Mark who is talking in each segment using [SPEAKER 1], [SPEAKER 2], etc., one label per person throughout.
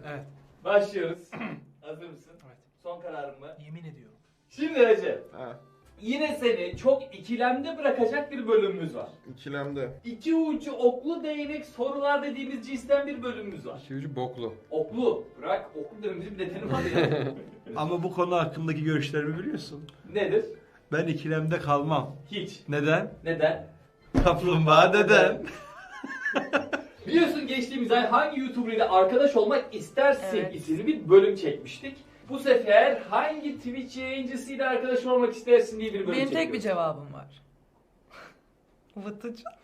[SPEAKER 1] Evet.
[SPEAKER 2] Başlıyoruz. Hazır mısın?
[SPEAKER 1] Evet.
[SPEAKER 2] Son kararın mı?
[SPEAKER 1] Yemin ediyorum.
[SPEAKER 2] Şimdi Recep.
[SPEAKER 3] Ha,
[SPEAKER 2] Yine seni çok ikilemde bırakacak bir bölümümüz var.
[SPEAKER 3] ikilemde.
[SPEAKER 2] İki ucu oklu değnek sorular dediğimiz cinsten bir bölümümüz var.
[SPEAKER 4] İki ucu boklu.
[SPEAKER 2] Oklu. Bırak oklu dememizin bir nedeni var ya.
[SPEAKER 5] Ama bu konu hakkındaki görüşlerimi biliyorsun.
[SPEAKER 2] Nedir?
[SPEAKER 5] Ben ikilemde kalmam.
[SPEAKER 2] Hiç.
[SPEAKER 5] Neden?
[SPEAKER 2] Neden?
[SPEAKER 5] Kaplumbağa neden?
[SPEAKER 2] Biliyorsun geçtiğimiz ay hangi YouTuber ile arkadaş olmak istersin
[SPEAKER 6] Evet.
[SPEAKER 2] isimli bir bölüm çekmiştik. Bu sefer hangi Twitch yayıncısıyla arkadaş olmak istersin diye bir bölüm
[SPEAKER 6] Benim tek bir
[SPEAKER 2] çekiyoruz.
[SPEAKER 6] cevabım var. Vıtıcı.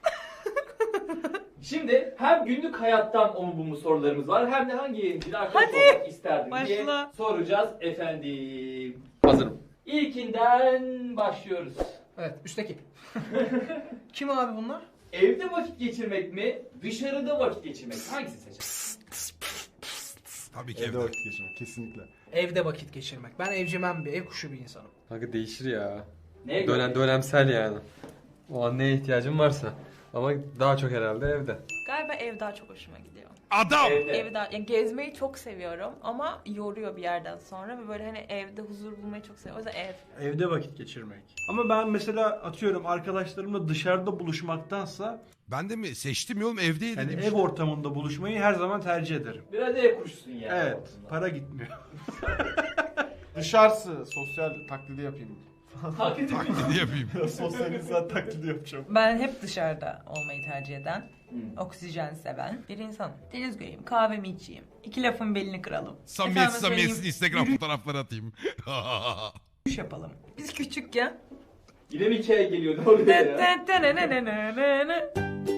[SPEAKER 2] Şimdi hem günlük hayattan o mu bu mu sorularımız var hem de hangi yayıncıyla arkadaş
[SPEAKER 6] Hadi,
[SPEAKER 2] olmak isterdin diye
[SPEAKER 6] başla.
[SPEAKER 2] soracağız efendim.
[SPEAKER 4] Hazırım.
[SPEAKER 2] İlkinden başlıyoruz.
[SPEAKER 1] Evet, üstteki. Kim abi bunlar?
[SPEAKER 2] Evde vakit geçirmek mi, dışarıda vakit geçirmek mi? Hangisini seçersin?
[SPEAKER 7] Tabii ki
[SPEAKER 3] Evde
[SPEAKER 7] evde.
[SPEAKER 3] vakit geçirmek kesinlikle.
[SPEAKER 1] Evde vakit geçirmek. Ben evcimen bir, ev kuşu bir insanım.
[SPEAKER 4] Kanka değişir ya.
[SPEAKER 2] Neye göre?
[SPEAKER 4] Dönemsel yani. O an neye ihtiyacım varsa. Ama daha çok herhalde evde.
[SPEAKER 6] Galiba ev daha çok hoşuma gidiyor.
[SPEAKER 7] Adam!
[SPEAKER 2] Evde.
[SPEAKER 6] Ev daha, yani gezmeyi çok seviyorum ama yoruyor bir yerden sonra ve böyle hani evde huzur bulmayı çok seviyorum. O yüzden ev.
[SPEAKER 5] Evde vakit geçirmek. Ama ben mesela atıyorum arkadaşlarımla dışarıda buluşmaktansa
[SPEAKER 7] Ben de mi seçtim ya oğlum evdeydim.
[SPEAKER 5] yani ev ortamında buluşmayı her zaman tercih ederim.
[SPEAKER 2] Biraz ev kuşusun yani.
[SPEAKER 5] Evet,
[SPEAKER 2] aslında.
[SPEAKER 5] para gitmiyor.
[SPEAKER 3] Dışarısı sosyal taklidi yapayım.
[SPEAKER 2] Takip ediyorum.
[SPEAKER 7] Taklidi yapayım.
[SPEAKER 3] Biraz sosyal insan taklidi yapacağım.
[SPEAKER 6] Ben hep dışarıda olmayı tercih eden,
[SPEAKER 2] Hmm.
[SPEAKER 6] oksijen seven bir insanım. Deniz göreyim, kahvemi içeyim, iki lafın belini kıralım.
[SPEAKER 7] Samimiyet
[SPEAKER 6] Efendim
[SPEAKER 7] samimiyetsiz
[SPEAKER 6] söyleyeyim,
[SPEAKER 7] Instagram fotoğrafları atayım.
[SPEAKER 6] yürüyüş yapalım. Biz küçükken
[SPEAKER 2] Yine mi hikaye geliyor ne oluyor ya?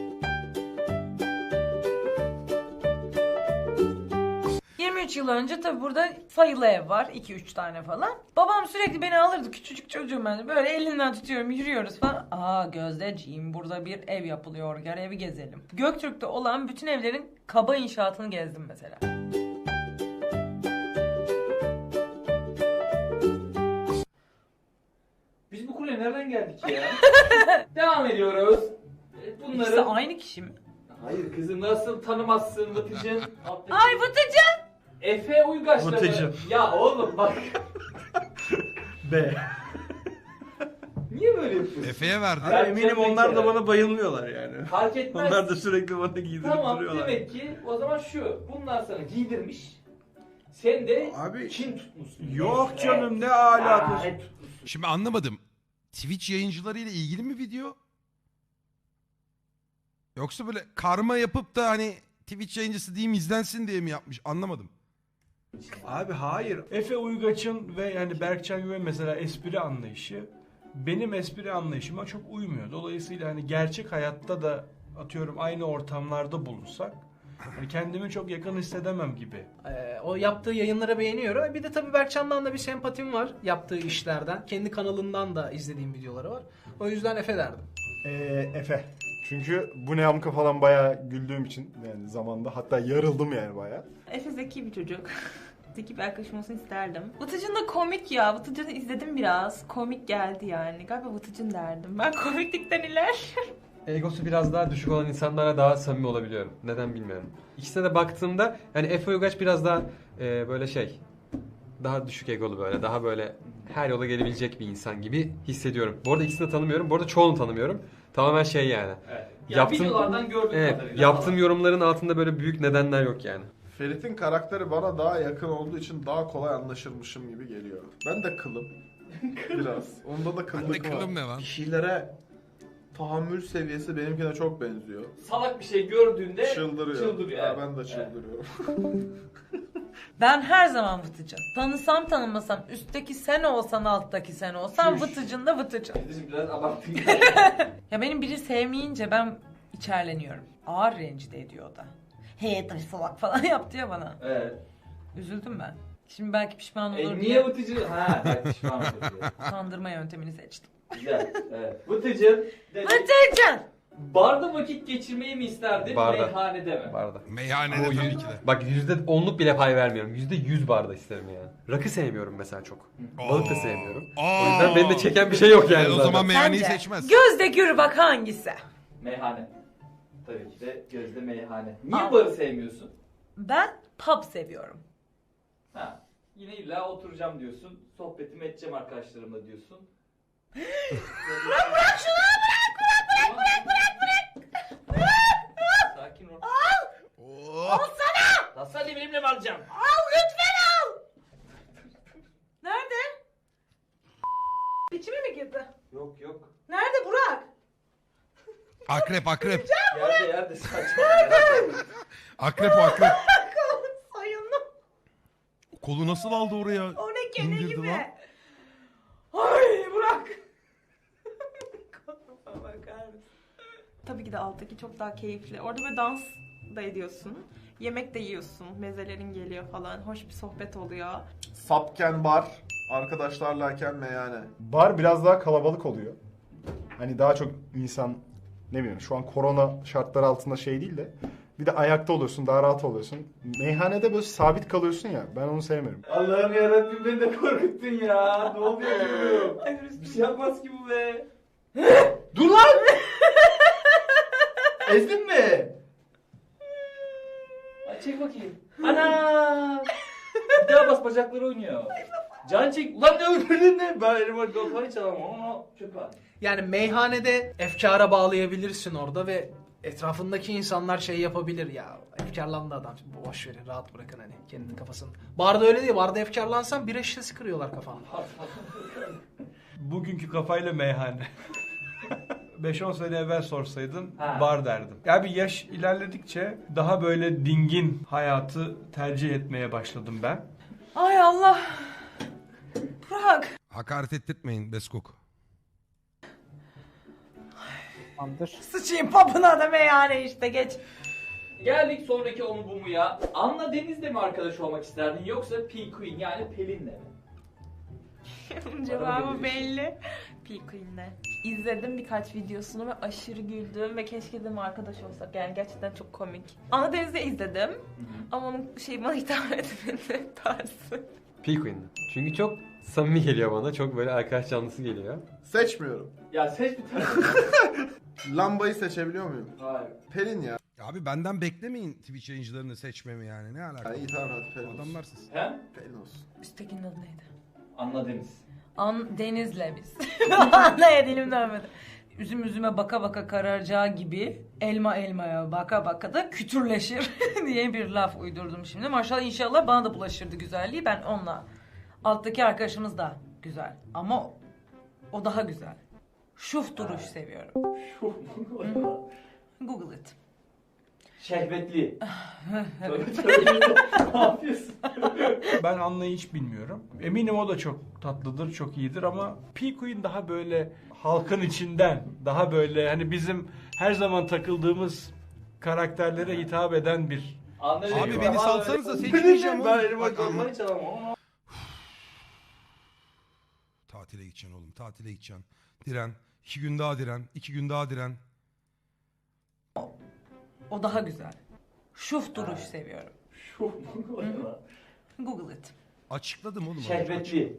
[SPEAKER 6] 23 yıl önce tabi burada sayılı ev var. 2-3 tane falan. Babam sürekli beni alırdı. Küçücük çocuğum ben. Böyle elinden tutuyorum yürüyoruz falan. Aa Gözdeciğim burada bir ev yapılıyor. Gel evi gezelim. Göktürk'te olan bütün evlerin kaba inşaatını gezdim mesela.
[SPEAKER 2] Biz bu kuleye nereden geldik ya? Devam ediyoruz. Bunları...
[SPEAKER 6] İkisi aynı kişi mi?
[SPEAKER 2] Hayır kızım nasıl tanımazsın Vıtıcın? Alttaki-
[SPEAKER 6] Ay Vıtıcı!
[SPEAKER 2] Efe Uygaç'la mı?
[SPEAKER 5] Vıtıcın.
[SPEAKER 2] Ya oğlum bak.
[SPEAKER 5] B.
[SPEAKER 2] Niye böyle yapıyorsun?
[SPEAKER 7] Efe'ye verdi.
[SPEAKER 2] Ben
[SPEAKER 5] Eminim
[SPEAKER 2] Cem'le
[SPEAKER 5] onlar da
[SPEAKER 2] Kerem.
[SPEAKER 5] bana bayılmıyorlar yani.
[SPEAKER 2] Fark etmez.
[SPEAKER 5] Onlar da sürekli bana giydirip
[SPEAKER 2] Tamam
[SPEAKER 5] duruyorlar.
[SPEAKER 2] demek ki o zaman şu. Bunlar sana giydirmiş. Sen de
[SPEAKER 5] Abi
[SPEAKER 2] Çin tutmuşsun.
[SPEAKER 5] yok
[SPEAKER 2] Evet.
[SPEAKER 5] canım ne alakası.
[SPEAKER 2] Aa, tutmuşsun.
[SPEAKER 7] Şimdi anlamadım. Twitch yayıncılarıyla ilgili mi video? Yoksa böyle karma yapıp da hani Twitch yayıncısı diyeyim izlensin diye mi yapmış? Anlamadım.
[SPEAKER 5] Abi hayır. Efe Uygaç'ın ve yani Berkcan Güven mesela espri anlayışı benim espri anlayışıma çok uymuyor. Dolayısıyla hani gerçek hayatta da atıyorum aynı ortamlarda bulunsak hani kendimi çok yakın hissedemem gibi.
[SPEAKER 1] O yaptığı yayınları beğeniyorum. Bir de tabii Berkcan'dan da bir sempatim var yaptığı işlerden. Kendi kanalından da izlediğim videoları var. O yüzden Efe derdim.
[SPEAKER 3] Efe. Çünkü bu ne amka falan bayağı güldüğüm için yani zamanda hatta yarıldım yani bayağı.
[SPEAKER 6] Efe zeki bir çocuk. Zeki bir arkadaşım olsun isterdim. Vıtıcın da komik ya. Vıtıcın'ı izledim biraz. Komik geldi yani. Galiba Vıtıcın derdim. Ben komiklikten iler.
[SPEAKER 4] Egosu biraz daha düşük olan insanlara daha samimi olabiliyorum. Neden bilmiyorum. İkisine de baktığımda yani Efe Uygaç biraz daha böyle şey. Daha düşük egolu böyle. Daha böyle her yola gelebilecek bir insan gibi hissediyorum. Bu arada ikisini de tanımıyorum. Bu arada çoğunu tanımıyorum. Tamamen şey yani.
[SPEAKER 2] Evet. Ya videolardan gördüğüm
[SPEAKER 4] Evet,
[SPEAKER 2] kadarıyla.
[SPEAKER 4] yaptığım yorumların altında böyle büyük nedenler yok yani.
[SPEAKER 3] Ferit'in karakteri bana daha yakın olduğu için daha kolay anlaşılmışım gibi geliyor. Ben de kılım. Biraz. Onda da
[SPEAKER 7] Ben de
[SPEAKER 3] kıllık var.
[SPEAKER 7] kılım ne lan?
[SPEAKER 3] Bir şeylere tahammül seviyesi benimkine çok benziyor.
[SPEAKER 2] Salak bir şey gördüğünde
[SPEAKER 3] Çıldırıyor.
[SPEAKER 2] çıldırıyor.
[SPEAKER 3] Ha,
[SPEAKER 2] Evet.
[SPEAKER 3] ben de çıldırıyorum.
[SPEAKER 6] Ben her zaman Vıtıcın. Tanısam tanımasam üstteki sen olsan alttaki sen olsan Vıtıcın da Vıtıcın.
[SPEAKER 2] Vıtıcın biraz abarttın.
[SPEAKER 6] Ya benim biri sevmeyince ben içerleniyorum. Ağır rencide ediyor o da. Hey taş salak falan yaptı ya bana.
[SPEAKER 2] Evet.
[SPEAKER 6] Üzüldüm ben. Şimdi belki pişman olur
[SPEAKER 2] Niye
[SPEAKER 6] diye
[SPEAKER 2] Vıtıcın? Ha ben pişman oldum diye.
[SPEAKER 6] kandırma yöntemini seçtim.
[SPEAKER 2] Güzel. Evet. Vıtıcın. dedik.
[SPEAKER 6] Vıtıcın!
[SPEAKER 2] Barda vakit geçirmeyi mi isterdin?
[SPEAKER 4] Barda.
[SPEAKER 2] Meyhanede mi?
[SPEAKER 4] Barda.
[SPEAKER 7] Meyhanede tabii ki de.
[SPEAKER 4] Bak %10'luk bile pay vermiyorum. %100 barda isterim yani. Rakı sevmiyorum mesela çok. Balık da sevmiyorum. O yüzden beni de çeken bir şey yok yani
[SPEAKER 7] O
[SPEAKER 4] zaten.
[SPEAKER 7] zaman meyhaneyi
[SPEAKER 6] Sence?
[SPEAKER 7] seçmez.
[SPEAKER 6] Gözde gür bak hangisi?
[SPEAKER 2] Meyhane. Tabii ki de gözde meyhane. Niye
[SPEAKER 6] Aa.
[SPEAKER 2] barı sevmiyorsun?
[SPEAKER 6] Ben pub seviyorum.
[SPEAKER 2] Ha. Yine illa oturacağım diyorsun. Sohbetimi edeceğim arkadaşlarımla diyorsun.
[SPEAKER 6] Bırak şunu bırak.
[SPEAKER 2] Sakin ol.
[SPEAKER 7] Oh.
[SPEAKER 6] Al sana.
[SPEAKER 2] Nasıl hadi benimle mi alacaksın?
[SPEAKER 6] Al lütfen al. Nerede? İçime mi girdi?
[SPEAKER 2] Yok yok.
[SPEAKER 6] Nerede Burak?
[SPEAKER 7] Akrep akrep.
[SPEAKER 2] Yerde saçma.
[SPEAKER 7] Akrep o akrep.
[SPEAKER 6] Soyunlu.
[SPEAKER 7] Kolu nasıl aldı oraya?
[SPEAKER 6] O ne kene
[SPEAKER 7] İndirdi
[SPEAKER 6] gibi.
[SPEAKER 7] lan.
[SPEAKER 6] Ay Burak. Koluma bakar mısın? Tabii ki de alttaki çok daha keyifli. Orada böyle dans da ediyorsun. Yemek de yiyorsun. Mezelerin geliyor falan. Hoş bir sohbet oluyor.
[SPEAKER 3] Sapken bar, arkadaşlarlayken meyhane.
[SPEAKER 8] Bar biraz daha kalabalık oluyor. Hani daha çok insan, ne bileyim, şu an korona şartları altında şey değil de bir de ayakta oluyorsun, daha rahat oluyorsun. Meyhanede böyle sabit kalıyorsun ya, ben onu sevmiyorum.
[SPEAKER 2] Allah'ım yarabbim beni de korkuttun ya. Ne oluyor bilmiyorum. Bir şey yapmaz ki bu be. Dur lan! Ezdin mi? Ay çek bakayım. Ana! Bir daha bas bacakları oynuyor. Can çek. Ulan ne öldürdün ne? Ben elime golfayı çalamam ama çöpe at.
[SPEAKER 1] Yani meyhanede efkara bağlayabilirsin orada ve etrafındaki insanlar şey yapabilir ya. Efkarlandı adam. Boş verin, rahat bırakın hani kendi kafasını. Barda öyle değil. Barda efkarlansan bira şişesi kırıyorlar kafana.
[SPEAKER 5] Bugünkü kafayla meyhane. 5-10 sene evvel sorsaydın
[SPEAKER 2] Ha.
[SPEAKER 5] bar derdim. Ya bir yaş ilerledikçe daha böyle dingin hayatı tercih etmeye başladım ben.
[SPEAKER 6] Ay Allah. Burak.
[SPEAKER 7] Hakaret ettirtmeyin Beskok.
[SPEAKER 6] Sıçayım papına da meyhane işte geç.
[SPEAKER 2] Geldik sonraki onu bu mu ya? Anla Deniz'le mi arkadaş olmak isterdin yoksa P Queen yani Pelin'le mi?
[SPEAKER 6] Cevabı belli. P-Queen'le. İzledim birkaç videosunu ve aşırı güldüm ve keşke dedim arkadaş olsak. Yani gerçekten çok komik. Anadeniz'de izledim. Ama onun bana hitap etmedi tarzı.
[SPEAKER 4] P-Queen. Çünkü çok samimi geliyor bana. Çok böyle arkadaş canlısı geliyor.
[SPEAKER 3] Seçmiyorum.
[SPEAKER 2] Ya seç bir tane.
[SPEAKER 3] Lambayı seçebiliyor muyum?
[SPEAKER 2] Hayır.
[SPEAKER 3] Pelin ya.
[SPEAKER 7] Abi benden beklemeyin Twitch yayıncılarını seçmemi yani. Ne alaka?
[SPEAKER 3] Ha, iyi tamam hadi Pelin olsun.
[SPEAKER 7] Adamlarsınız.
[SPEAKER 2] He?
[SPEAKER 3] Pelin olsun.
[SPEAKER 6] Üsttekinin adı neydi?
[SPEAKER 2] Anla Deniz.
[SPEAKER 6] Deniz'le biz. Anlaya dilim dönmedi. Üzüm üzüme baka baka kararacağı gibi elma elmaya baka baka da kütürleşir diye bir laf uydurdum şimdi. Maşallah inşallah bana da bulaşırdı güzelliği. Ben onunla. Alttaki arkadaşımız da güzel. Ama o daha güzel. Şuf duruş seviyorum. Google it.
[SPEAKER 2] Şehvetli. Ne yapıyorsun?
[SPEAKER 5] Ben Anna'yı hiç bilmiyorum. Eminim o da çok tatlıdır, çok iyidir ama P-Queen daha böyle halkın içinden, daha böyle hani bizim her zaman takıldığımız karakterlere hitap eden bir...
[SPEAKER 7] Abi beni salsanıza seçmeyeceğim
[SPEAKER 2] Ben
[SPEAKER 7] oğlum.
[SPEAKER 2] elime
[SPEAKER 7] Bak,
[SPEAKER 2] golfayı çalamam ama.
[SPEAKER 7] Tatile gideceksin oğlum. Tatile gideceksin. Diren. 2 gün daha diren. 2 gün daha diren.
[SPEAKER 6] O daha güzel. Şuf duruş seviyorum. Google it.
[SPEAKER 7] Açıkladım oğlum.
[SPEAKER 2] Şehvetli.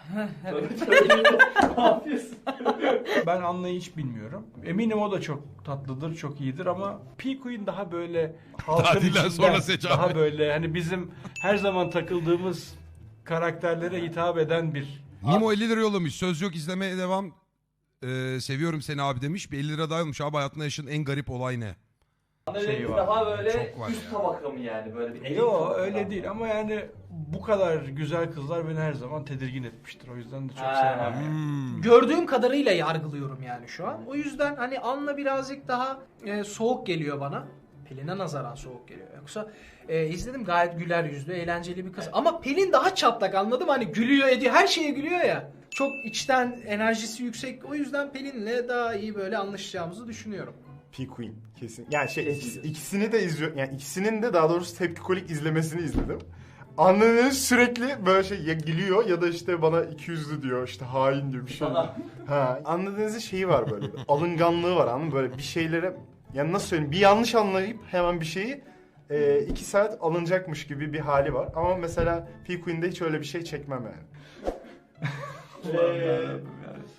[SPEAKER 2] Ne yapıyorsun?
[SPEAKER 5] Ben Anna'yı hiç bilmiyorum. Eminim o da çok tatlıdır, çok iyidir ama P-Queen daha böyle halkın
[SPEAKER 7] Tatilden
[SPEAKER 5] içinden,
[SPEAKER 7] sonra seç abi.
[SPEAKER 5] daha böyle hani bizim her zaman takıldığımız karakterlere hitap eden bir...
[SPEAKER 7] Nimo 50 lira yollamış. Söz yok izlemeye devam. Seviyorum seni abi demiş. Bir 50 lira daha yollamış. Abi hayatında yaşadığın en garip olay ne?
[SPEAKER 2] Anla
[SPEAKER 5] Şey
[SPEAKER 2] Deniz
[SPEAKER 5] var.
[SPEAKER 2] daha böyle
[SPEAKER 7] Çok var
[SPEAKER 2] üst
[SPEAKER 7] ya.
[SPEAKER 2] tabaka mı yani böyle bir elit
[SPEAKER 5] Yo
[SPEAKER 2] tabaka
[SPEAKER 5] öyle
[SPEAKER 2] mı?
[SPEAKER 5] değil ama yani bu kadar güzel kızlar beni her zaman tedirgin etmiştir. O yüzden de çok
[SPEAKER 2] Ha.
[SPEAKER 5] sevmem yani.
[SPEAKER 7] Hmm.
[SPEAKER 1] Gördüğüm kadarıyla yargılıyorum yani şu an. O yüzden hani Anla birazcık daha soğuk geliyor bana. Pelin'e nazaran soğuk geliyor. Yoksa izledim gayet güler yüzlü, eğlenceli bir kız. Ama Pelin daha çatlak, anladım, hani gülüyor ediyor, her şeye gülüyor ya. Çok içten enerjisi yüksek. O yüzden Pelin'le daha iyi böyle anlaşacağımızı düşünüyorum.
[SPEAKER 8] P-Queen kesin. Yani
[SPEAKER 2] Kesin.
[SPEAKER 8] ikisini de izliyorum. Yani ikisinin de daha doğrusu tepkikolik izlemesini izledim. Annenin sürekli böyle şey ya gülüyor ya da işte bana 200'lü diyor, işte hain diyor bir şey.
[SPEAKER 2] Sana.
[SPEAKER 8] Ha, anladığınızın şeyi var böyle. Bir alınganlığı var, anladın mı? Böyle bir şeylere, yani nasıl söyleyeyim, bir yanlış anlayıp hemen bir şeyi 2 saat alınacakmış gibi bir hali var. Ama mesela P-Queen'de hiç öyle bir şey çekmem yani.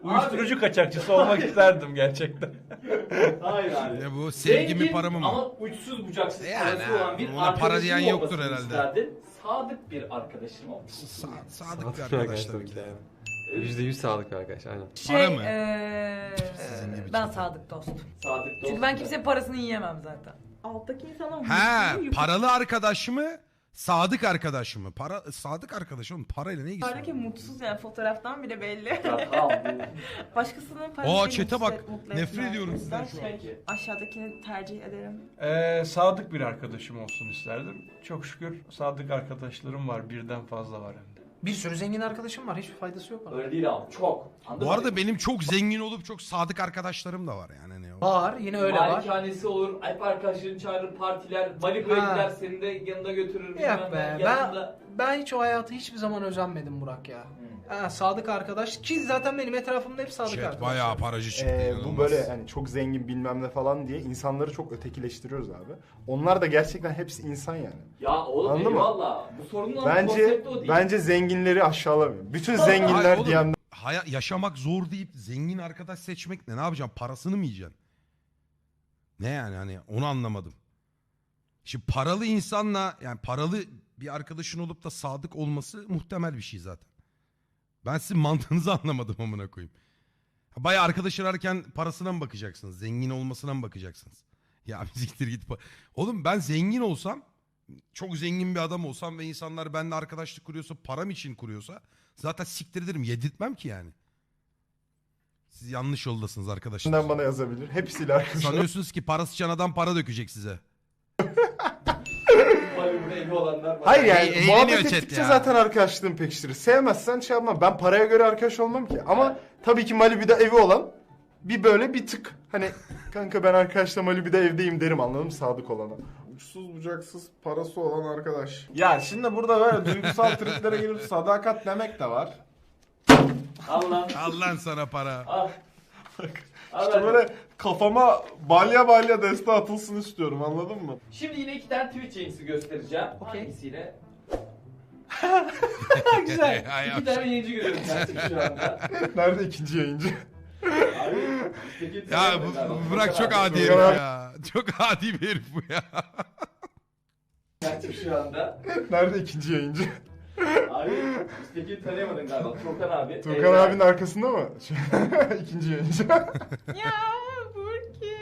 [SPEAKER 5] Uyuşturucu kaçakçısı olmak isterdim gerçekten.
[SPEAKER 2] Hayır abi.
[SPEAKER 7] Ne bu? Sevgi mi
[SPEAKER 2] Zengin
[SPEAKER 7] para mı?
[SPEAKER 2] ama uçsuz bucaksız
[SPEAKER 7] Yani
[SPEAKER 2] parası olan bir
[SPEAKER 7] ona para diyen
[SPEAKER 2] arkadaşım
[SPEAKER 7] yoktur
[SPEAKER 2] olmasını
[SPEAKER 7] herhalde.
[SPEAKER 2] isterdin. Sadık bir arkadaşım olmasını.
[SPEAKER 7] Sadık bir
[SPEAKER 4] Sadık
[SPEAKER 7] arkadaş tabii
[SPEAKER 4] tabii
[SPEAKER 7] ki
[SPEAKER 4] ki
[SPEAKER 7] de.
[SPEAKER 4] yani. %100 sağlık bir arkadaş aynen.
[SPEAKER 7] Para mı?
[SPEAKER 6] Sizin
[SPEAKER 7] gibi
[SPEAKER 6] ben
[SPEAKER 7] çok.
[SPEAKER 6] sadık dost.
[SPEAKER 2] Sadık dost.
[SPEAKER 6] Çünkü ben kimsenin parasını yiyemem zaten.
[SPEAKER 9] Alttaki insana
[SPEAKER 7] Ha, paralı arkadaş mı? Sadık arkadaş mı? Sadık arkadaş oğlum, parayla ne ilgisi
[SPEAKER 9] Yukarıdaki
[SPEAKER 7] var?
[SPEAKER 9] mutsuz yani fotoğraftan bile belli.
[SPEAKER 2] Ya tamam.
[SPEAKER 9] Başkasının parası
[SPEAKER 7] Aa
[SPEAKER 9] beni
[SPEAKER 7] chat'e bak.
[SPEAKER 9] mutlu
[SPEAKER 7] Nefret
[SPEAKER 9] etmez.
[SPEAKER 7] ediyorum
[SPEAKER 9] O yüzden
[SPEAKER 7] sizden şu an.
[SPEAKER 2] Peki.
[SPEAKER 9] Aşağıdakini tercih ederim.
[SPEAKER 5] Sadık bir arkadaşım olsun isterdim. Çok şükür sadık arkadaşlarım var. Birden fazla var hem de.
[SPEAKER 1] Bir sürü zengin arkadaşım var. Hiçbir faydası yok bana.
[SPEAKER 2] Öyle değil ama çok. Anladın
[SPEAKER 7] Bu
[SPEAKER 2] mı?
[SPEAKER 7] arada benim çok zengin olup çok sadık arkadaşlarım da var yani. Ne o?
[SPEAKER 1] Var. Yine öyle var.
[SPEAKER 2] Malikanesi olur, hep arkadaşlarını çağırır, partiler, Malibu'ya
[SPEAKER 1] Ha.
[SPEAKER 2] gider, seni de yanında götürür.
[SPEAKER 1] Yok
[SPEAKER 2] bilmem
[SPEAKER 1] be.
[SPEAKER 2] ne, yanında-
[SPEAKER 1] Ben hiç o hayatı hiçbir zaman özenmedim Burak ya. Ha, sadık arkadaş. Ki zaten benim etrafımda hep sadık
[SPEAKER 7] Chat
[SPEAKER 1] arkadaş.
[SPEAKER 7] bayağı paracı çıktı.
[SPEAKER 8] Bu
[SPEAKER 7] inanılmaz.
[SPEAKER 8] böyle hani çok zengin bilmem ne falan diye insanları çok ötekileştiriyoruz abi. Onlar da gerçekten hepsi insan yani.
[SPEAKER 2] Ya oğlum
[SPEAKER 8] Anladın mı?
[SPEAKER 2] eyvallah. Bu sorunun
[SPEAKER 8] Bence
[SPEAKER 2] konsepti o değil.
[SPEAKER 8] bence zenginleri aşağılamıyor. Bütün
[SPEAKER 7] Hayır
[SPEAKER 8] zenginler
[SPEAKER 7] oğlum,
[SPEAKER 8] diyen
[SPEAKER 7] yaşamak zor deyip zengin arkadaş seçmek ne? Ne yapacaksın? Parasını mı yiyeceksin? Ne yani, hani onu anlamadım. Şimdi paralı insanla, yani paralı bir arkadaşın olup da sadık olması muhtemel bir şey zaten. Ben sizin mantığınızı anlamadım amına koyayım. Bayağı arkadaş ararken parasına mı bakacaksınız? Zengin olmasına mı bakacaksınız? Ya bir siktir git. Oğlum ben zengin olsam, çok zengin bir adam olsam ve insanlar benimle arkadaşlık kuruyorsa, param için kuruyorsa zaten siktir ederim. Yedirtmem ki yani. Siz yanlış yoldasınız arkadaşlar.
[SPEAKER 8] bana yazabilir. Hepsiyle arkadaşlar.
[SPEAKER 7] Sanıyorsunuz ki parası için adam para dökecek size.
[SPEAKER 2] Malibu'da evi olanlar var.
[SPEAKER 8] Hayır yani
[SPEAKER 7] Eğleniyor
[SPEAKER 8] muhabbet
[SPEAKER 7] chat
[SPEAKER 8] ettikçe
[SPEAKER 7] ya.
[SPEAKER 8] zaten arkadaşlığın pekiştirir. Sevmezsen şey yapma. Ben paraya göre arkadaş olmam ki. Ama tabii ki Malibu'da evi olan bir böyle bir tık. Hani kanka ben arkadaşla Malibu'da evdeyim derim, anladın mı, sadık olana.
[SPEAKER 3] Uçsuz bucaksız parası olan arkadaş. Ya şimdi burada böyle duygusal triplere girip sadakat demek de var.
[SPEAKER 2] Allah.
[SPEAKER 7] Al lan sana para.
[SPEAKER 2] Al. Al
[SPEAKER 3] İşte
[SPEAKER 2] hadi.
[SPEAKER 3] böyle kafama balya balya deste atılsın istiyorum, anladın mı?
[SPEAKER 2] Şimdi yine 2 tane Twitch yayıncısı göstereceğim.
[SPEAKER 1] Okey.
[SPEAKER 2] Hangisiyle?
[SPEAKER 1] Güzel.
[SPEAKER 7] Ay,
[SPEAKER 2] 2 tane yayıncı görüyorum ben şu anda.
[SPEAKER 8] Nerede ikinci yayıncı?
[SPEAKER 2] Abi, üstteki
[SPEAKER 7] Ya
[SPEAKER 2] tanıyorum ben.
[SPEAKER 7] bırak, çok
[SPEAKER 2] Furkan
[SPEAKER 7] adi
[SPEAKER 2] abi,
[SPEAKER 7] herif
[SPEAKER 8] Furkan abi.
[SPEAKER 7] ya. Çok adi bir herif bu ya.
[SPEAKER 2] Açık şu anda.
[SPEAKER 8] Nerede ikinci yayıncı?
[SPEAKER 2] Abi üstteki tanıyamadın galiba. Furkan abi.
[SPEAKER 8] Turkan
[SPEAKER 2] Evren.
[SPEAKER 8] abinin arkasında mı? İkinci yayıncı.
[SPEAKER 9] Ya Burki.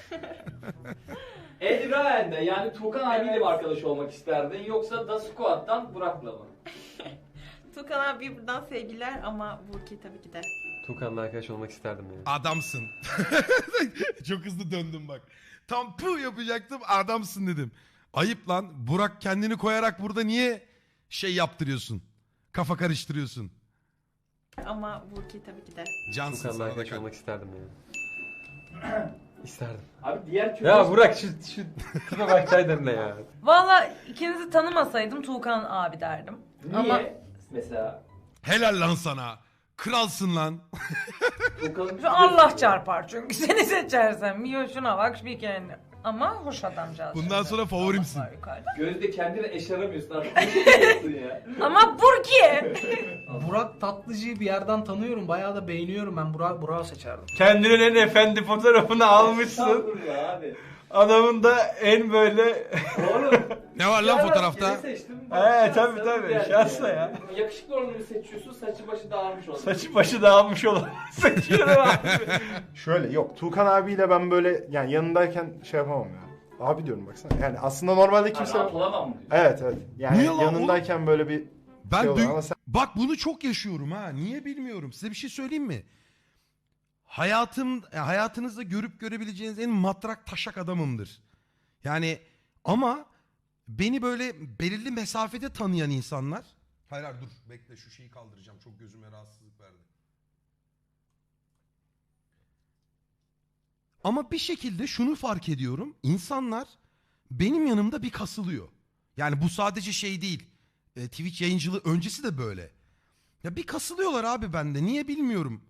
[SPEAKER 2] Eldraen'de yani Tukan abiyle mi arkadaş olmak isterdin yoksa Da Squad'dan Burak'la mı?
[SPEAKER 9] Tukan abi buradan sevgiler ama Burki tabii ki de.
[SPEAKER 4] Tukan'la arkadaş olmak isterdim yani.
[SPEAKER 7] Adamsın. Çok hızlı döndüm bak. Tam pu yapacaktım, adamsın dedim. Ayıp lan. Burak kendini koyarak burada niye şey yaptırıyorsun? Kafa karıştırıyorsun.
[SPEAKER 9] Ama Burki tabii ki de.
[SPEAKER 7] Cansın
[SPEAKER 4] Tukan'la
[SPEAKER 7] sana da
[SPEAKER 4] arkadaş
[SPEAKER 7] kal.
[SPEAKER 4] olmak isterdim yani. İsterdim.
[SPEAKER 2] Abi diğer kötü...
[SPEAKER 4] Ya Burak şu tipe baksaydın ne ya.
[SPEAKER 6] Valla ikinizi tanımasaydım Tuğkan abi derdim.
[SPEAKER 2] Niye?
[SPEAKER 6] Ama-
[SPEAKER 2] Mesela
[SPEAKER 7] Helal lan sana. Kralsın lan.
[SPEAKER 2] Tukan'ın...
[SPEAKER 6] Şu Allah çarpar çünkü seni seçersem. Bir şuna bak bir kendi. Ama hoş adamcağız.
[SPEAKER 7] Bundan
[SPEAKER 6] şimdi.
[SPEAKER 7] sonra favorimsin.
[SPEAKER 6] Allah var yukarıda.
[SPEAKER 2] Gözde kendini eşaramıyorsun artık. Ne yapıyorsun ya?
[SPEAKER 6] Ama Burki.
[SPEAKER 1] Burak Tatlıcı'yı bir yerden tanıyorum. Bayağı da beğeniyorum ben. Burak'ı seçerdim.
[SPEAKER 5] Kendinin en efendi fotoğrafını almışsın.
[SPEAKER 2] Estağfurullah abi.
[SPEAKER 5] Adamın da en böyle...
[SPEAKER 2] Oğlum.
[SPEAKER 7] Ne var lan
[SPEAKER 2] ya bak,
[SPEAKER 7] fotoğrafta?
[SPEAKER 2] yeni seçtim.
[SPEAKER 5] He,
[SPEAKER 2] Şanslı
[SPEAKER 5] tabii,
[SPEAKER 2] bir yer
[SPEAKER 5] şanslı
[SPEAKER 2] yani.
[SPEAKER 5] ya.
[SPEAKER 2] Yakışıklı olanı mı seçiyorsun, saçı başı dağılmış olanı.
[SPEAKER 5] Saçı başı dağılmış olan seçiyorum abi.
[SPEAKER 8] Şöyle yok, Tukan abiyle ben böyle yani yanındayken şey yapamam ya. Abi diyorum baksana. Yani aslında normalde kimse...
[SPEAKER 2] Rahat olamam mı diyorsun?
[SPEAKER 8] Evet evet. Yani
[SPEAKER 7] Niye lan
[SPEAKER 8] yanındayken böyle bir
[SPEAKER 7] Ben
[SPEAKER 8] şey olur ama sen...
[SPEAKER 7] bak bunu çok yaşıyorum ha. Niye bilmiyorum. Size bir şey söyleyeyim mi? Hayatınızda görüp görebileceğiniz en matrak taşak adamımdır. Yani ama beni böyle belirli mesafede tanıyan insanlar... Hayır dur bekle, şu şeyi kaldıracağım. Çok gözüme rahatsızlık verdi. Ama bir şekilde şunu fark ediyorum. İnsanlar benim yanımda bir kasılıyor. Yani bu sadece şey değil. Twitch yayıncılığı öncesi de böyle. Ya bir kasılıyorlar abi bende. Niye bilmiyorum.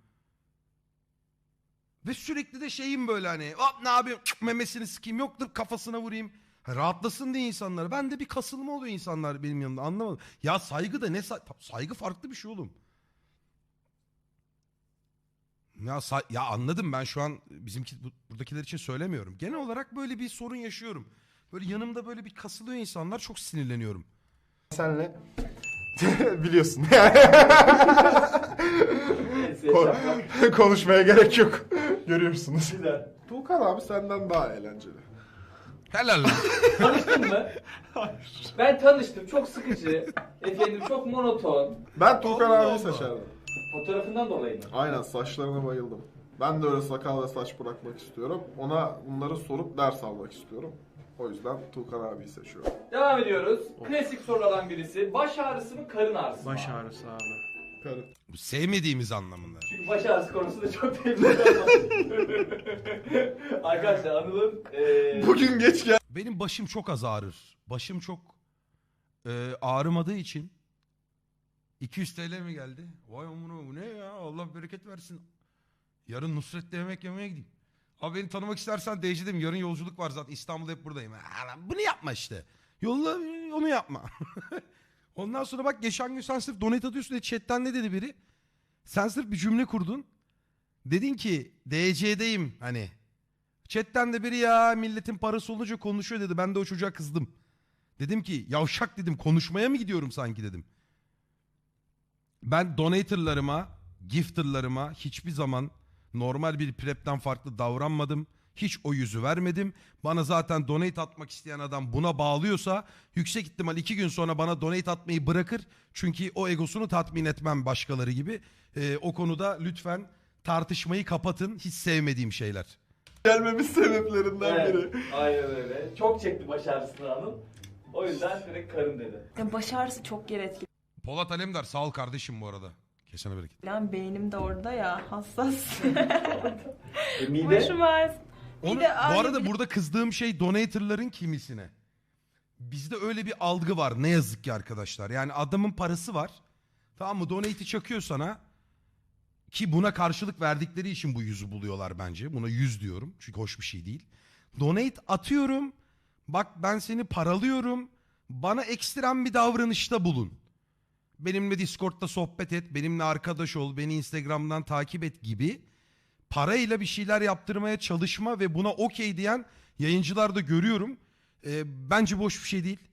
[SPEAKER 7] Ve sürekli de şeyim böyle hani hop ne yapayım memesini sıkayım, yoktur kafasına vurayım. Ha, rahatlasın diye insanlar. Bende bir kasılma oluyor insanlar benim yanımda, anlamadım. Ya saygı da ne saygı farklı bir şey oğlum. Ya anladım, ben şu an buradakiler için söylemiyorum. Genel olarak böyle bir sorun yaşıyorum. Böyle yanımda böyle bir kasılıyor insanlar, çok sinirleniyorum.
[SPEAKER 8] Senle biliyorsun. Konuşmaya gerek yok. Görüyorsunuz.
[SPEAKER 3] Tuğkan abi senden daha eğlenceli.
[SPEAKER 7] Helal lan.
[SPEAKER 2] Tanıştın mı? Hayır. Ben tanıştım. Çok sıkıcı. Efendim çok monoton.
[SPEAKER 3] Ben Tuğkan abiyi seçerdim.
[SPEAKER 2] Fotoğrafından dolayı mı?
[SPEAKER 3] Aynen, saçlarına bayıldım. Ben de öyle sakal ve saç bırakmak istiyorum. Ona bunları sorup ders almak istiyorum. O yüzden Tuğkan abiyi seçiyorum.
[SPEAKER 2] Devam ediyoruz. Klasik sorulardan birisi. Baş ağrısı mı, karın ağrısı mı?
[SPEAKER 5] Baş ağrısı abi.
[SPEAKER 3] Karı.
[SPEAKER 7] Bu sevmediğimiz anlamında.
[SPEAKER 2] Çünkü baş ağrısı konusu da çok tehlikeli. Arkadaşlar Anıl'ın...
[SPEAKER 3] Bugün geç gel.
[SPEAKER 7] Benim başım çok az ağrır. Başım çok ağrımadığı için 200 TL mi geldi? Vay amına, bu ne ya? Allah bereket versin. Yarın Nusret'te yemek yemeye gideyim. Abi beni tanımak istersen DC'deyim. Yarın yolculuk var zaten. İstanbul'da hep buradayım. Bunu yapma işte. Yolla onu yapma. Ondan sonra bak, geçen gün sen sırf donate atıyorsun diye chatten ne dedi biri? Sen sırf bir cümle kurdun. Dedin ki DC'deyim hani. Chatten de biri ya milletin parası olunca konuşuyor dedi. Ben de o çocuğa kızdım. Dedim ki yavşak dedim, konuşmaya mı gidiyorum sanki dedim. Ben donatorlarıma, gifterlarıma hiçbir zaman normal bir prep'ten farklı davranmadım. Hiç o yüzü vermedim. Bana zaten donate atmak isteyen adam buna bağlıyorsa yüksek ihtimal 2 gün sonra bana donate atmayı bırakır. Çünkü o egosunu tatmin etmem başkaları gibi. O konuda lütfen tartışmayı kapatın. Hiç sevmediğim şeyler.
[SPEAKER 3] Gelmemiz sebeplerinden biri.
[SPEAKER 2] Aynen öyle. Çok çekti baş ağrısını Anıl. O yüzden direkt karın dedi.
[SPEAKER 9] Ya baş ağrısı çok yer etkili.
[SPEAKER 7] Polat Alemdar sağ ol kardeşim bu arada. Kesene bereket.
[SPEAKER 9] Lan beynim de orada ya, hassas.
[SPEAKER 2] Mide?
[SPEAKER 9] Başım ağrısı.
[SPEAKER 7] Onu, bu arada burada kızdığım şey donatorların kimisine. Bizde öyle bir algı var ne yazık ki arkadaşlar. Yani adamın parası var. Tamam mı? Donate'i çakıyor sana. Ki buna karşılık verdikleri için bu yüzü buluyorlar bence. Buna 100 diyorum. Çünkü hoş bir şey değil. Donate atıyorum. Bak ben seni paralıyorum. Bana ekstrem bir davranışta bulun. Benimle Discord'da sohbet et. Benimle arkadaş ol. Beni Instagram'dan takip et gibi. Parayla bir şeyler yaptırmaya çalışma ve buna okey diyen yayıncılar da görüyorum. Bence boş bir şey değil.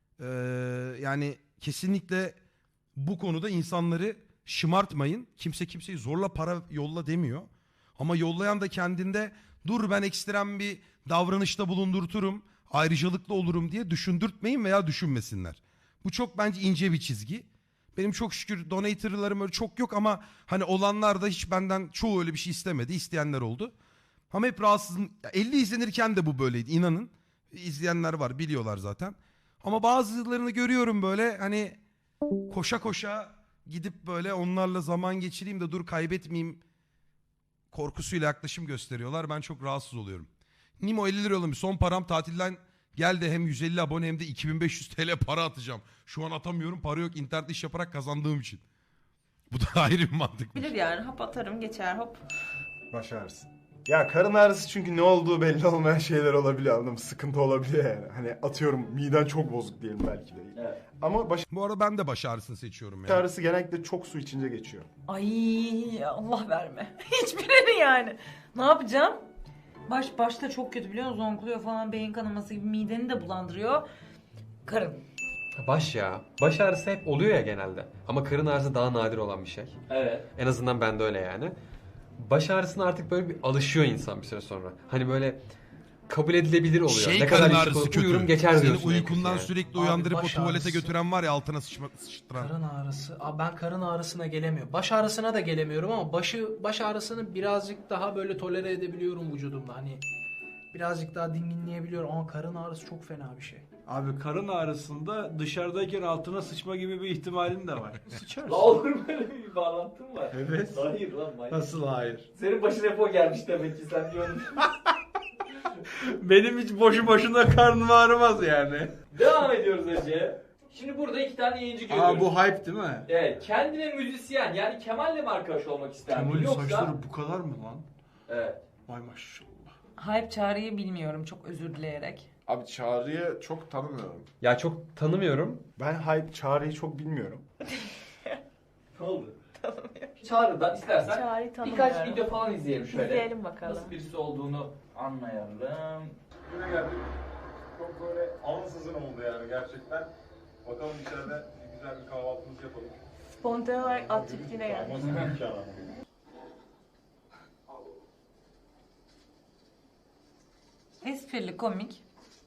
[SPEAKER 7] Yani kesinlikle bu konuda insanları şımartmayın. Kimse kimseyi zorla para yolla demiyor. Ama yollayan da kendinde dur ben ekstrem bir davranışta bulundurturum, ayrıcalıklı olurum diye düşündürtmeyin veya düşünmesinler. Bu çok bence ince bir çizgi. Benim çok şükür donatorlarım öyle çok yok ama hani olanlar da hiç benden çoğu öyle bir şey istemedi. İsteyenler oldu. Ama hep rahatsızım. 50 izlenirken de bu böyleydi, inanın. İzleyenler var, biliyorlar zaten. Ama bazılarını görüyorum böyle hani koşa koşa gidip böyle onlarla zaman geçireyim de dur kaybetmeyeyim korkusuyla yaklaşım gösteriyorlar. Ben çok rahatsız oluyorum. Nimo 50 lira yollamış. Son param tatilden geldi, hem 150 abone hem de 2500 TL para atacağım. Şu an atamıyorum, para yok, internet iş yaparak kazandığım için. Bu da ayrı bir mantık.
[SPEAKER 9] Bilir yani, hap atarım geçer hop.
[SPEAKER 8] Baş ağrısı. Ya karın ağrısı çünkü ne olduğu belli olmayan şeyler olabiliyor, anladın mı? Sıkıntı olabiliyor yani. Hani atıyorum miden çok bozuk diyelim belki de.
[SPEAKER 2] Evet.
[SPEAKER 8] Ama baş
[SPEAKER 7] Bu arada ben de baş ağrısını seçiyorum ya.
[SPEAKER 8] ağrısı genellikle çok su içince geçiyor.
[SPEAKER 6] Ay Allah verme. Hiçbirini yani. Ne yapacağım? Başta çok kötü biliyor musun? Zonkluyor falan, beyin kanaması gibi, mideni de bulandırıyor. Karın.
[SPEAKER 4] Baş ya. Baş ağrısı hep oluyor ya genelde. Ama karın ağrısı daha nadir olan bir şey.
[SPEAKER 2] Evet.
[SPEAKER 4] En azından bende öyle yani. Baş ağrısına artık böyle bir alışıyor insan bir süre sonra. Hani böyle kabul edilebilir oluyor. Ne kadar
[SPEAKER 7] karın
[SPEAKER 4] yüksek
[SPEAKER 7] ağrısı
[SPEAKER 4] olsa
[SPEAKER 7] kötü.
[SPEAKER 4] uyurum geçer
[SPEAKER 7] Seni
[SPEAKER 4] diyorsun.
[SPEAKER 7] uykundan
[SPEAKER 4] yani.
[SPEAKER 7] sürekli
[SPEAKER 1] Abi
[SPEAKER 7] uyandırıp o
[SPEAKER 1] baş
[SPEAKER 7] tuvalete
[SPEAKER 1] ağrısı.
[SPEAKER 7] götüren var ya, altına sıçtıran.
[SPEAKER 1] Karın ağrısı. Abi ben karın ağrısına gelemiyorum. Baş ağrısına da gelemiyorum ama baş ağrısını birazcık daha böyle tolere edebiliyorum vücudumda. Hani birazcık daha dinginleyebiliyorum ama karın ağrısı çok fena bir şey.
[SPEAKER 5] Abi karın ağrısında dışarıdayken altına sıçma gibi bir ihtimalin de var. Sıçarsın.
[SPEAKER 2] La olur mu öyle bir bağlantın var?
[SPEAKER 5] Evet.
[SPEAKER 2] Hayır lan manyak.
[SPEAKER 5] Nasıl hayır?
[SPEAKER 2] Senin başına hep gelmiş demek ki sen diyordun.
[SPEAKER 5] Benim hiç boşu boşuna karnım ağrımaz yani.
[SPEAKER 2] Devam ediyoruz Ece. Şimdi burada 2 tane yayıncı görüyoruz.
[SPEAKER 5] Aa bu hype değil mi?
[SPEAKER 2] Evet, kendine müzisyen yani Kemal'le mi arkadaş olmak ister mi?
[SPEAKER 5] Kemal'in
[SPEAKER 2] Yoksa...
[SPEAKER 5] saçları bu kadar mı lan?
[SPEAKER 2] Evet.
[SPEAKER 5] Vay maşallah.
[SPEAKER 6] Hype Çağrı'yı bilmiyorum, çok özür dileyerek.
[SPEAKER 3] Abi Çağrı'yı çok tanımıyorum.
[SPEAKER 4] Ya çok tanımıyorum.
[SPEAKER 8] Ben hype Çağrı'yı çok bilmiyorum.
[SPEAKER 2] Ne oldu? Çağrı'dan istersen
[SPEAKER 9] Çağrı'yı
[SPEAKER 2] birkaç
[SPEAKER 9] tanımıyorum.
[SPEAKER 2] video falan izleyelim şöyle.
[SPEAKER 9] İzleyelim bakalım.
[SPEAKER 2] Nasıl birisi olduğunu anlayalım.
[SPEAKER 10] Güne geldik. Çok böyle ansızın oldu yani gerçekten. Bakalım içeride güzel bir kahvaltımızı yapalım.
[SPEAKER 9] Spontane olarak at çiftliğine geldik.
[SPEAKER 10] Nasıl bir imkan ama.
[SPEAKER 6] Esprili, komik.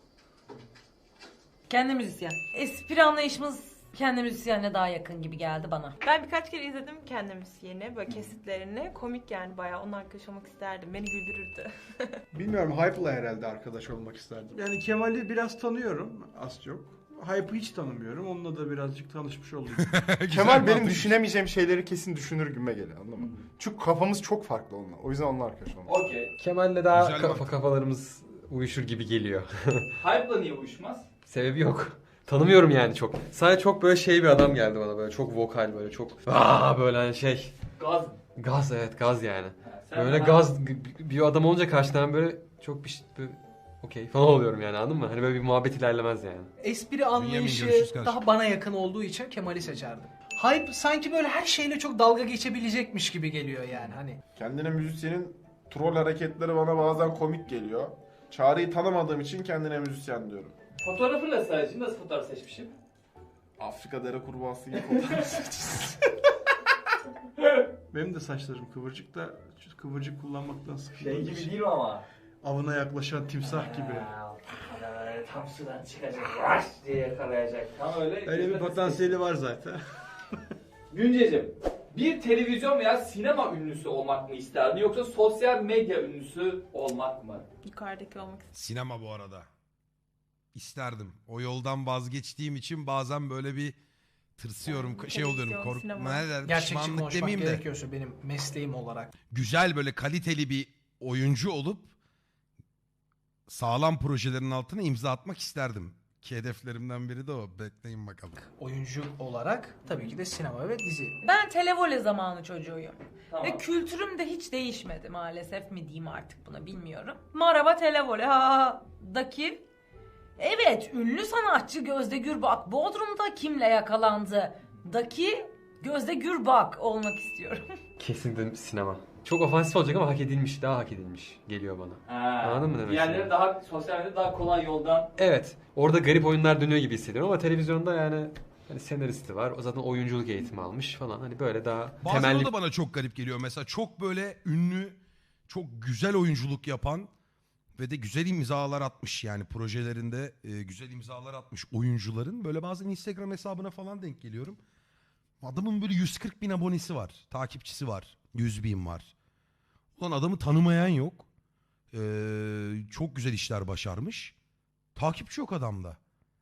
[SPEAKER 6] Kendi müzisyen. Espri anlayışımız kendi müzisyenle daha yakın gibi geldi bana.
[SPEAKER 9] Ben birkaç kere izledim kendi müziğini, böyle kesitlerini. Komik yani bayağı. Onunla arkadaş olmak isterdim. Beni güldürürdü.
[SPEAKER 11] Bilmiyorum, Hype'la herhalde arkadaş olmak isterdim.
[SPEAKER 5] Yani Kemal'i biraz tanıyorum az çok. Hype'ı hiç tanımıyorum. Onunla da birazcık tanışmış olduk.
[SPEAKER 8] Kemal benim düşünemeyeceğim şeyleri kesin düşünür gibime geliyor, anladın mı? Çünkü kafamız çok farklı onunla. O yüzden onunla arkadaş olmak.
[SPEAKER 2] Okey.
[SPEAKER 4] Kemal'le daha
[SPEAKER 7] Güzel mantık.
[SPEAKER 4] kafalarımız uyuşur gibi geliyor.
[SPEAKER 2] Hype'la niye uyuşmaz?
[SPEAKER 4] Sebebi yok. Tanımıyorum yani çok. Sadece çok böyle şey bir adam geldi bana, böyle çok vokal, böyle çok böyle hani şey.
[SPEAKER 2] Gaz.
[SPEAKER 4] Gaz, evet, gaz yani.
[SPEAKER 2] Sen
[SPEAKER 4] Böyle
[SPEAKER 2] bana-
[SPEAKER 4] gaz bir adam olunca karşıdan böyle çok böyle okey falan oluyorum yani, anladın mı? Hani böyle bir muhabbet ilerlemez yani.
[SPEAKER 1] Espri anlayışı
[SPEAKER 7] görüşürüz kardeşim.
[SPEAKER 1] daha bana yakın olduğu için Kemal'i seçerdim. Hype sanki böyle her şeyle çok dalga geçebilecekmiş gibi geliyor yani hani.
[SPEAKER 3] Kendine müzisyenin troll hareketleri bana bazen komik geliyor. Çağrı'yı tanımadığım için kendine müzisyen diyorum.
[SPEAKER 2] Fotoğrafıyla sadece nasıl fotoğraf seçmişim?
[SPEAKER 3] Afrika dere kurbağası gibi fotoğraf seçeceğiz.
[SPEAKER 5] Benim de saçlarım kıvırcık da kıvırcık kullanmaktan sıkıldım.
[SPEAKER 2] Şey gibi değil mi ama?
[SPEAKER 5] Avına yaklaşan timsah gibi.
[SPEAKER 2] Böyle tam sudan çıkacak, rush diye yakalayacak. Tam öyle.
[SPEAKER 5] Öyle bir potansiyeli var zaten.
[SPEAKER 2] Günceciğim, bir televizyon veya sinema ünlüsü olmak mı isterdin yoksa sosyal medya ünlüsü olmak mı?
[SPEAKER 9] Yukarıdaki olmak isterdim.
[SPEAKER 7] Sinema bu arada. İsterdim. O yoldan vazgeçtiğim için bazen böyle bir tırsıyorum,
[SPEAKER 9] Yani
[SPEAKER 7] şey oluyorum,
[SPEAKER 9] televizyon,
[SPEAKER 7] kork
[SPEAKER 9] sinema.
[SPEAKER 7] ne der,
[SPEAKER 1] Gerçekçi
[SPEAKER 7] pişmanlık
[SPEAKER 1] konuşmak
[SPEAKER 7] demeyeyim de.
[SPEAKER 1] gerekiyorsa benim mesleğim olarak.
[SPEAKER 7] Güzel böyle kaliteli bir oyuncu olup sağlam projelerin altına imza atmak isterdim. Ki hedeflerimden biri de o. Bekleyin bakalım.
[SPEAKER 1] Oyuncu olarak tabii ki de sinema ve dizi.
[SPEAKER 6] Ben televole zamanı çocuğuyum.
[SPEAKER 2] Tamam.
[SPEAKER 6] Ve kültürüm de hiç değişmedi maalesef mi diyeyim artık buna bilmiyorum. Maraba televole daki evet ünlü sanatçı Gözde Gürbak Bodrum'da kimle yakalandı daki Gözde Gürbak olmak istiyorum.
[SPEAKER 4] Kesinlikle sinema. Çok ofansif olacak ama hak edilmiş, daha hak edilmiş geliyor bana. Anladın mı demek
[SPEAKER 2] Diğerleri
[SPEAKER 4] istediğimi?
[SPEAKER 2] daha sosyal medyada daha kolay yoldan.
[SPEAKER 4] Evet. Orada garip oyunlar dönüyor gibi hissediyorum ama televizyonda yani hani senaristi var. O zaten oyunculuk eğitimi almış falan. Hani böyle daha
[SPEAKER 7] Bazen
[SPEAKER 4] temelli.
[SPEAKER 7] o da bana çok garip geliyor. Mesela çok böyle ünlü, çok güzel oyunculuk yapan ve de güzel imzalar atmış yani projelerinde güzel imzalar atmış oyuncuların böyle bazen Instagram hesabına falan denk geliyorum. Adamın böyle 140 bin abonesi var, takipçisi var, 100 bin var. Ulan adamı tanımayan yok. Çok güzel işler başarmış. Takipçi yok adamda.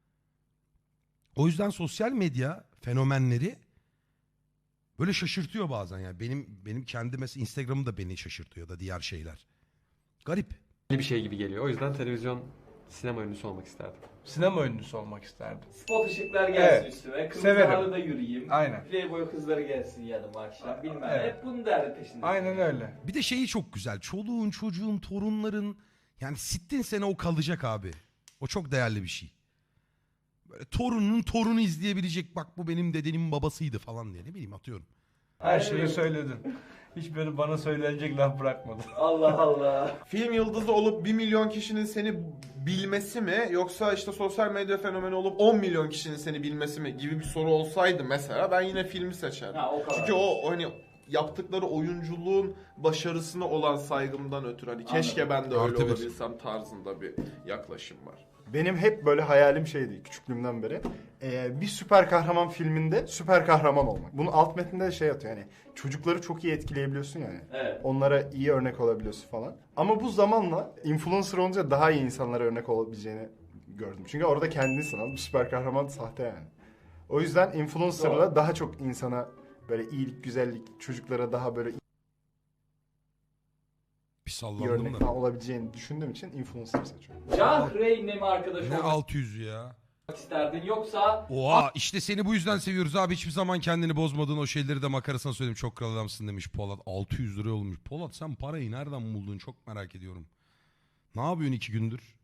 [SPEAKER 7] O yüzden sosyal medya fenomenleri böyle şaşırtıyor bazen yani. Benim kendi mesela Instagram'ım da beni şaşırtıyor da diğer şeyler. Garip.
[SPEAKER 4] bir şey gibi geliyor. O yüzden televizyon sinema ünlüsü olmak isterdim.
[SPEAKER 5] Sinema ünlüsü olmak isterdim.
[SPEAKER 2] Spot ışıklar gelsin
[SPEAKER 5] Evet.
[SPEAKER 2] üstüme. Kırmızı
[SPEAKER 5] Severim.
[SPEAKER 2] halıda yürüyeyim.
[SPEAKER 5] Aynen.
[SPEAKER 2] Playboy kızları gelsin yanıma akşam. Bilmem.
[SPEAKER 5] Evet.
[SPEAKER 2] Hep bunun derdi peşinde.
[SPEAKER 5] Aynen öyle.
[SPEAKER 7] Bir de şeyi çok güzel. Çoluğun, çocuğun, torunların yani sittin sene o kalacak abi. O çok değerli bir şey. Böyle torunun torunu izleyebilecek, bak bu benim dedenin babasıydı falan diye, ne bileyim, atıyorum.
[SPEAKER 5] Her şeyi söyledin. Hiç böyle bana söylenecek laf bırakmadın.
[SPEAKER 2] Allah Allah.
[SPEAKER 3] Film yıldızı olup 1 milyon kişinin seni bilmesi mi yoksa işte sosyal medya fenomeni olup 10 milyon kişinin seni bilmesi mi gibi bir soru olsaydı mesela ben yine filmi seçerdim.
[SPEAKER 2] Ha, o kadar.
[SPEAKER 3] Çünkü o hani yaptıkları oyunculuğun başarısına olan saygımdan ötürü hani keşke ben de öyle
[SPEAKER 7] Artı bir.
[SPEAKER 3] olabilsem tarzında bir yaklaşım var.
[SPEAKER 8] Benim hep böyle hayalim şeydi küçüklüğümden beri. Bir süper kahraman filminde süper kahraman olmak. Bunun alt metninde de şey atıyor yani. Çocukları çok iyi etkileyebiliyorsun yani.
[SPEAKER 2] Evet.
[SPEAKER 8] Onlara iyi örnek olabiliyorsun falan. Ama bu zamanla influencer olunca daha iyi insanlara örnek olabileceğini gördüm. Çünkü orada kendini sanan bir süper kahraman sahte yani. O yüzden influencer'la
[SPEAKER 2] Doğru.
[SPEAKER 8] daha çok insana böyle iyilik, güzellik, çocuklara daha böyle
[SPEAKER 7] Bir
[SPEAKER 8] iyi
[SPEAKER 7] sallandım
[SPEAKER 8] örnek
[SPEAKER 7] da.
[SPEAKER 8] falan olabileceğini düşündüğüm için influencer seçiyorum.
[SPEAKER 2] Can Rey'le mi arkadaş
[SPEAKER 7] Ne
[SPEAKER 2] olmak
[SPEAKER 7] 600 ya.
[SPEAKER 2] isterdin yoksa
[SPEAKER 7] Oha, işte seni bu yüzden seviyoruz abi, hiçbir zaman kendini bozmadığın o şeyleri de makarasına söyledim, çok kral adamsın demiş Polat. 600 lira olmuş. Polat sen parayı nereden buldun, çok merak ediyorum. Ne yapıyorsun 2 gündür?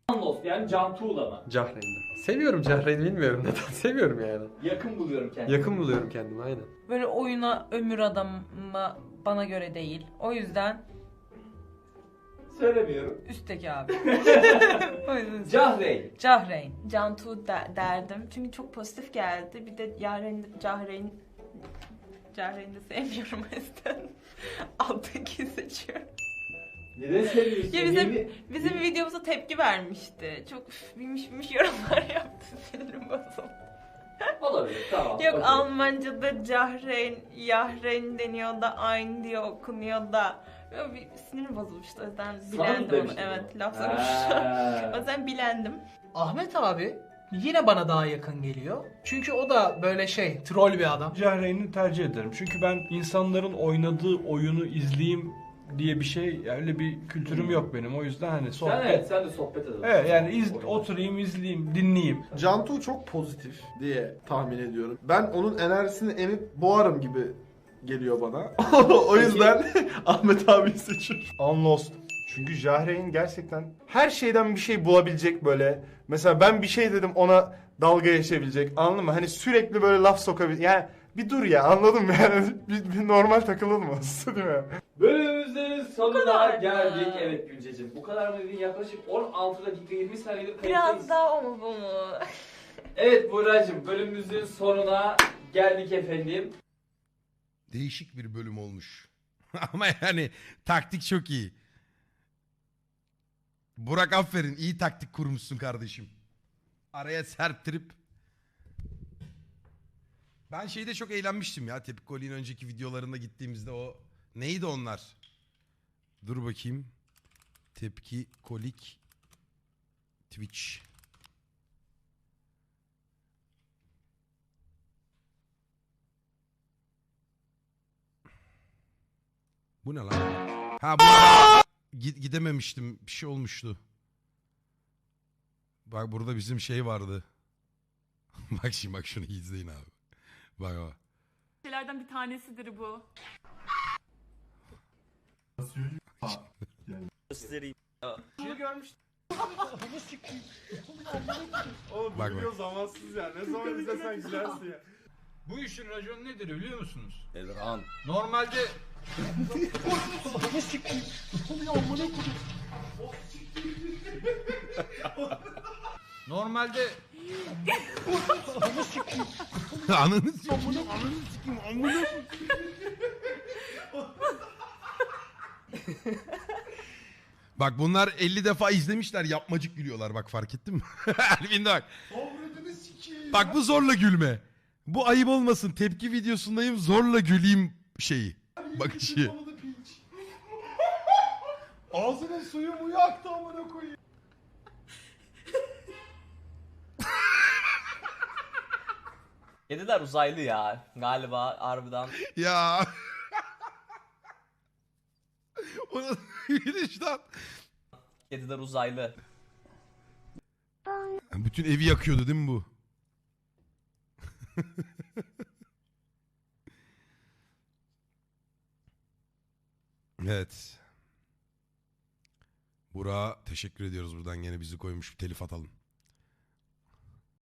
[SPEAKER 2] Unlost yani Can Tuğla mı?
[SPEAKER 4] Cahreyn'den. Seviyorum Cahreyn'i, bilmiyorum neden. Seviyorum yani.
[SPEAKER 2] Yakın buluyorum kendimi.
[SPEAKER 4] Yakın buluyorum kendimi, aynen.
[SPEAKER 6] Böyle oyuna ömür adamı bana göre değil. O yüzden
[SPEAKER 2] Söylemiyorum.
[SPEAKER 6] üstteki abi. O yüzden
[SPEAKER 2] Cahreyn.
[SPEAKER 6] Cahreyn.
[SPEAKER 9] Cantu derdim. Çünkü çok pozitif geldi. Bir de Cahreyn'i de sevmiyorum o yüzden. Alttaki seçiyorum.
[SPEAKER 2] Neden seviyorsun?
[SPEAKER 9] Ya bizim videomuza tepki vermişti. Çok bilmiş yorumlar yaptı. Sinirim bozuldu.
[SPEAKER 2] Olabilir, tamam.
[SPEAKER 9] Yok
[SPEAKER 2] okey.
[SPEAKER 9] Almanca'da Cahreyn, Yahren deniyor da aynı diye okunuyor da. Böyle bir sinirim bozulmuştu. O yüzden
[SPEAKER 2] Sana mı
[SPEAKER 9] bilendim onu.
[SPEAKER 2] demiştin
[SPEAKER 9] Evet,
[SPEAKER 2] onu?
[SPEAKER 9] laf sormuştum.
[SPEAKER 2] Ha.
[SPEAKER 9] O yüzden bilendim.
[SPEAKER 1] Ahmet abi yine bana daha yakın geliyor. Çünkü o da böyle troll bir adam.
[SPEAKER 5] Cahreyn'i tercih ederim. Çünkü ben insanların oynadığı oyunu izleyeyim diye bir şey, öyle bir kültürüm yok benim. O yüzden hani sohbet.
[SPEAKER 2] Sen de sohbet edelim.
[SPEAKER 5] Evet yani oturayım, izleyeyim, dinleyeyim.
[SPEAKER 3] Cantu çok pozitif diye tahmin ediyorum. Ben onun enerjisini emip boğarım gibi geliyor bana. O yüzden Ahmet abiyi seçiyorum.
[SPEAKER 8] Unlost. Çünkü Jahreyn gerçekten her şeyden bir şey bulabilecek böyle. Mesela ben bir şey dedim, ona dalga geçebilecek, anladın mı? Hani sürekli böyle laf sokabilecek. Yani bir dur ya, anladın mı? Yani bir normal takılılmaz değil mi?
[SPEAKER 2] Bölümümüzün sonuna
[SPEAKER 9] kadar
[SPEAKER 2] geldik.
[SPEAKER 9] mı?
[SPEAKER 2] Evet Gülceciğim. Bu kadar mı dedin? Yaklaşık 16 dakika 20 saniyedir
[SPEAKER 9] Biraz
[SPEAKER 2] kayıttayız.
[SPEAKER 9] daha o mu bu mu?
[SPEAKER 2] Evet Buğra'cığım, bölümümüzün sonuna geldik efendim.
[SPEAKER 7] Değişik bir bölüm olmuş. Ama yani taktik çok iyi. Burak aferin, iyi taktik kurmuşsun kardeşim. Araya serptirip. Ben şeyde çok eğlenmiştim ya. Tepkoli'nin önceki videolarında gittiğimizde o... Neydi onlar? Dur bakayım. Tepki Kolik Twitch. Bu ne lan? Ha bu gidememiştim. Bir şey olmuştu. Bak burada bizim şey vardı. Bak şimdi bak şunu izleyin abi. Bak bak.
[SPEAKER 12] Şeylerden bir tanesidir bu.
[SPEAKER 11] Bunu görmüştüm.
[SPEAKER 8] Oğlum
[SPEAKER 7] Bak,
[SPEAKER 8] bu video zamansız ya. Ne zaman izlesen gülersin ya.
[SPEAKER 13] Bu işin raconu nedir biliyor musunuz?
[SPEAKER 14] Elran.
[SPEAKER 13] Normalde normalde
[SPEAKER 7] Ananı Bak bunlar 50 defa izlemişler, yapmacık gülüyorlar, bak fark ettin mi? Elvin de bak. Bak bu zorla gülme. Bu ayıp olmasın, tepki videosundayım, zorla güleyim şeyi. Bakışı.
[SPEAKER 8] Ağzının suyu muyu aktı amına koyayım.
[SPEAKER 14] Kediler uzaylı ya. Galiba harbiden.
[SPEAKER 7] Ya. O nasıl bir gülüş lan?
[SPEAKER 14] Kediler uzaylı.
[SPEAKER 7] Bütün evi yakıyordu değil mi bu? Evet. Burak'a teşekkür ediyoruz, buradan gene bizi koymuş, bir telif atalım.